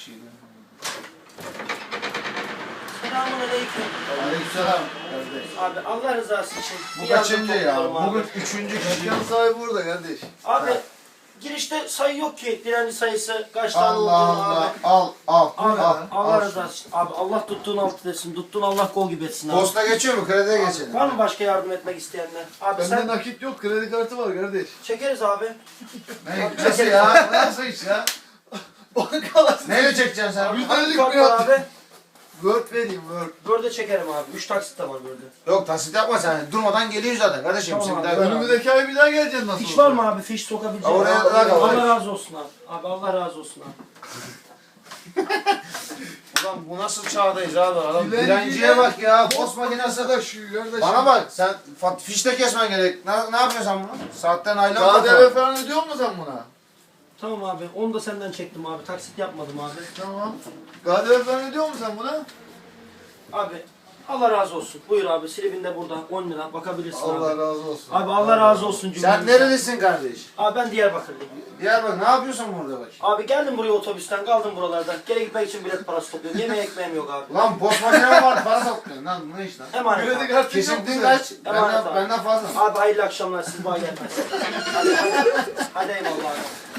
Selamünaleyküm. Aleykümselam kardeş. Abi Allah rızası için. Bu bir yardım kaçıncı ya? topluyorum abi. Bugün üçüncü kişi. Dükkan sahibi burada kardeş. Abi Ha. girişte sayı yok ki. Direnci sayısı kaç tane Allah olduğunu Allah. abi. Al. Abi al. Allah al rızası için. Abi Allah tuttuğun altı etsin. Tuttuğun Allah kol gibi etsin abi. Posta geçiyor mu? Krediye Abi, geçelim. var mı başka yardım etmek isteyenler? Abi Bende sen nakit yok, kredi kartı var kardeş. çekeriz abi. Nasıl ya? Nasıl iş ya? Bankalar. Neyle çekeceksin sen? Yüz- Hangi Ödedik kart mi var ya? abi? Word vereyim Word. Börde çekerim abi. 3 taksit de var börde. Yok tasit yapma sen. Durmadan geliyor zaten kardeşim. Tamam Sen abi. bir daha Önümüzdeki ay bir daha geleceksin nasıl Fiş olsa. var mı abi? Fiş sokabileceğim. Oraya Abi, bırak abi. Allah razı olsun abi. Abi Allah razı olsun abi. Ulan bu nasıl çağdayız abi? Adam Dilenciye dilenciye bak ya. Post makinesi. Arkadaş kardeş. Bana bak sen fişte kesmen gerek. Ne yapıyorsun sen bunu? Saatten aylan KDV falan ödüyor musun sen buna? Tamam abi. Onu da senden çektim abi. Taksit yapmadım abi. Tamam. KDV falan ödüyor musun sen buna? Abi Allah razı olsun. Buyur abi. Silibin de burada. 10 lira. Bakabilirsin Allah abi. razı olsun. Abi Allah razı olsun Sen cümlemize. nerelisin kardeş? Abi ben Diyarbakırlıyım. Diyarbakır ne yapıyorsun burada bak? Abi geldim buraya otobüsten. Kaldım buralarda. Geri gitmek için bilet parası topluyorum. Yemeğe ekmeğim yok abi. Lan post makine var para topluyorsun lan ne iş lan? Emanet Kredi abi. kartı yok mu Kesintin sen? kaç? Emanet abi. Benden fazla. Abi hayırlı akşamlar. Siz bana gelmez. Hadi eyvallah abi.